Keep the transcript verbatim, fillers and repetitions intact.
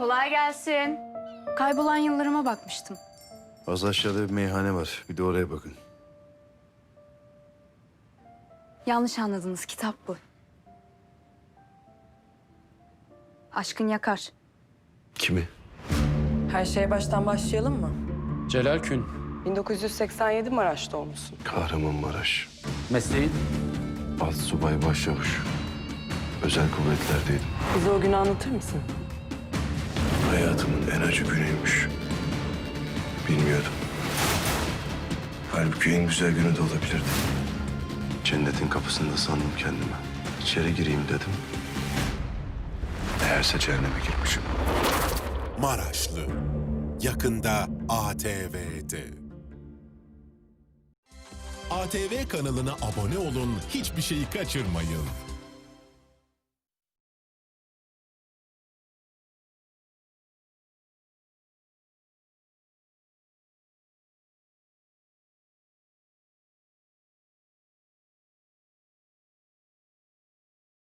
Kolay gelsin. Kaybolan yıllarıma bakmıştım. Az aşağıda bir meyhane var. Bir de oraya bakın. Yanlış anladınız, kitap bu. Aşkın yakar. Kimi? Her şeye baştan başlayalım mı? Celal Kün. bin dokuz yüz seksen yedi Maraş'ta olmuşsun. Kahramanmaraş. Mesleğin? Alt subay başçavuş. Özel kuvvetlerdeydim. Bize o günü anlatır mısın? Hayatımın en acı günüymüş. Bilmiyordum. Halbuki en güzel günü de olabilirdi. Cennetin kapısında sandım kendimi. İçeri gireyim dedim. Meğerse cehenneme girmişim. Maraşlı. Yakında A T V'de. A T V kanalına abone olun, hiçbir şeyi kaçırmayın.